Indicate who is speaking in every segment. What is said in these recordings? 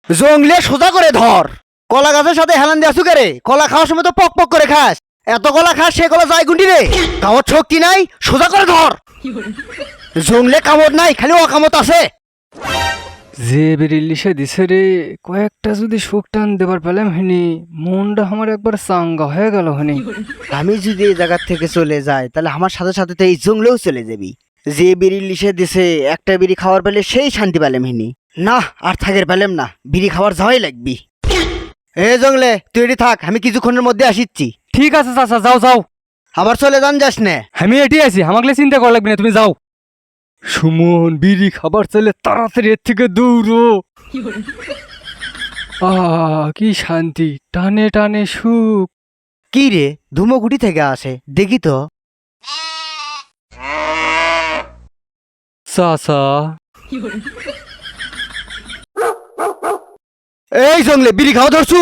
Speaker 1: জংলে সোজা করে ধর। কলা গাছের সাথে হেলান দিয়ে আসু রে, কলা খাওয়ার সময় তো পক পক করে খাস। এত কলা খাস সে কলা যায় গুন্ডি রে। কামড় শক্তি নাই, সোজা করে ধর। জংলে কামড় নাই, খালি অকামত আছে।
Speaker 2: যে বেরিলিশে দিছে রে, কয়েকটা যদি শোক টান দেবার পেলাম হিনি, মনটা আমার একবার চাঙ্গা হয়ে গেল হনি।
Speaker 1: আমি যদি এই জায়গার থেকে চলে যাই তাহলে আমার সাথে সাথে তো এই জংলেও চলে যাবি। যে বিড়ি লিশে দিছে একটা বিড়ি খাওয়ার পেলে সেই শান্তি পেলাম হিনি। না আর থাকের পেলাম না, বিড়ি খাওয়ার যাওয়াই লাগবি। এ জংলে তুই এটি থাক, আমি কিছুক্ষণের মধ্যে আসিচ্ছি।
Speaker 2: ঠিক আছে চাচা, যাও যাও,
Speaker 1: আবার চলে যান যাস না।
Speaker 2: আমি এটি আছি, আমাকে চিন্তা করা লাগবে না, তুমি যাও। সুমন, বিড়ি খাবার চাইলে তাড়াতাড়ি এর থেকে দৌড়ো। কি শান্তি, টানে টানে সুখ।
Speaker 1: কি রে, ধুমোকুটি থেকে আসে, দেখি তো।
Speaker 2: চাচা,
Speaker 1: এই জংলে বিড়ি খাওয়া ধরছু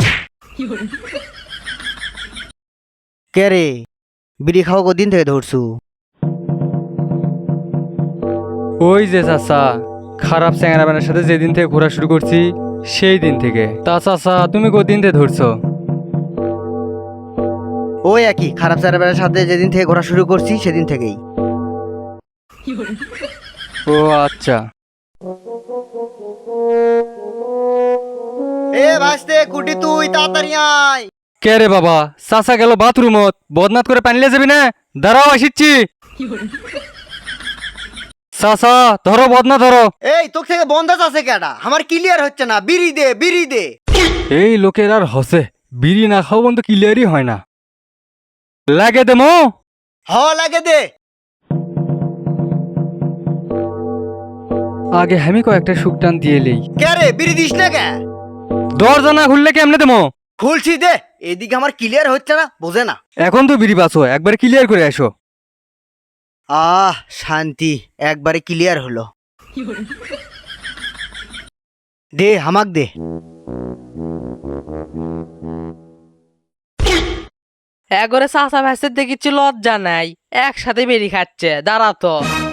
Speaker 1: কে রে? বিড়ি খাওয়া কদিন থেকে ধরছু?
Speaker 2: ওই যে চাচা, খারাপ চ্যাংরাবানের সাথে যেদিন থেকে ঘোরা শুরু করছি সেই দিন থেকে। তা চাচা, তুমি কদিন থেকে ধরছো?
Speaker 1: ওই একই খারাপ চারাবেলার সাথে যেদিন থেকে ঘোরা শুরু করছি সেদিন থেকেই।
Speaker 2: ও আচ্ছা।
Speaker 1: এ ভাসতে কুটি, তুই তাড়াতাড়ি আয়।
Speaker 2: কে রে বাবা? চাচা গেল বাথরুমত, বদনাত করে পানিলে যাবি না? দাঁড়াও, আসিচ্ছি। চাচা ধরো, বদনা ধরো।
Speaker 1: এই তোর থেকে বন্ধাজ আছে কেডা? আমার ক্লিয়ার হচ্ছে না, বিড়ি দে বিড়ি দে।
Speaker 2: এই লোকের আর হসে, বিড়ি না খাও বন্ধু ক্লিয়ারই হয় না। লাগে দেমো?
Speaker 1: হ লাগে দে।
Speaker 2: আগে আমি কয়েকটা শুকটান দিয়ে লই।
Speaker 1: কে রে, বিড়ি দিস না কে?
Speaker 2: দরজা না খুললে কেমনে দেমো?
Speaker 1: খুলছি দে। এদিকে আমার ক্লিয়ার হচ্ছে না, বোঝে না।
Speaker 2: এখন তো বিড়ি পাচ্ছ, একবার ক্লিয়ার করে আসো।
Speaker 1: শান্তি, একবারে ক্লিয়ার হলো। দে হামাক দে।
Speaker 3: একবারে চাচা ভাইসের দেখিচ্ছি লজ্জা নাই, একসাথে বেরি খাচ্ছে। দাঁড়া তো,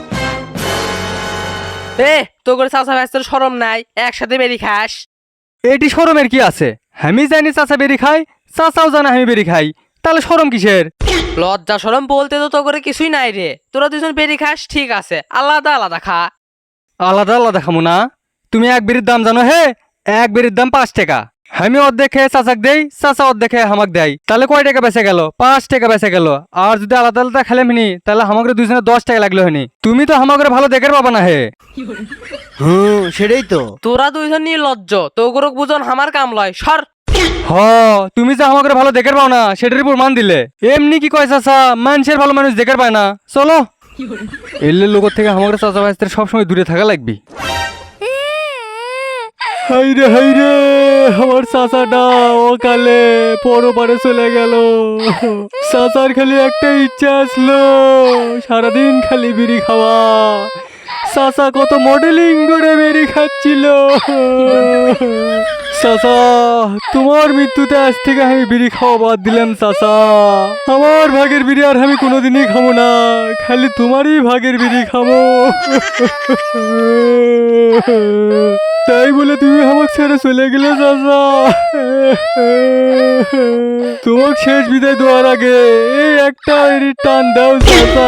Speaker 3: তো করে চাচা ভাইসের শরম নাই, একসাথে বেরি খাস?
Speaker 2: এটি শরমের কি আছে? আমি জানি চাচা বেরি খাই, চাচাও জানে আমি বেরি খাই, তাহলে শরম কিসের?
Speaker 3: লজ্জা শরম বলতে তো করে কিছুই নাই রে। তোরা দুজন বেরি খাস ঠিক আছে, আলাদা আলাদা খা।
Speaker 2: আলাদা আলাদা খামো না? তুমি এক বেরির দাম জানো? হে, এক বেরির দাম 5 টাকা। আমি অর্ধেক খেয়ে চাচাক দেই, চাচা অর্ধেক খেয়ে হামাক দেয়, তাহলে কয় টাকা বেঁচে গেল? 5 টাকা বেঁচে গেল। আর যদি আলাদা আলাদা খেলে মিনি, তাহলে আমাকে দুজনে 10 টাকা লাগলো হনি। তুমি তো আমাকে ভালো দেখে পাবা না হে।
Speaker 1: সেটাই তো।
Speaker 3: তোরা দুইজন নির্লজ্জ, তো করে বুঝন আমার কাম লয়, সর।
Speaker 2: হ, তুমি যে আমাকে ভালো দেখে পাও না সেটার উপর মান দিলে। এমনি কি কয় চাচা, মানুষের ভালো মানুষ দেখে পায় না। চলো, এলে লোকের থেকে আমাকে চাচা ভাইদের সবসময় দূরে থাকা লাগবি। হাইরে হাইরে, আমার চাচাটা অকালে পরপারে চলে গেল। চাচার খালি একটা ইচ্ছা আসলো, সারাদিন খালি বিড়ি খাওয়া। চাচা কত মডেলিং করে বিড়ি খাচ্ছিল। চাচা, তোমার মৃত্যুতে আজ থেকে আমি বিড়ি খাওয়া বাদ দিলাম চাচা। আমার ভাগের বিড়ি আর আমি কোনোদিনই খাবো না, খালি তোমারই ভাগের বিড়ি খাবো। তাই বলে তুমি আমাকে ছেড়ে চলে গেলে চাচা। তোমাকে শেষ বিদায় দেওয়ার আগে এই একটা বিড়ির টান দাও চাচা।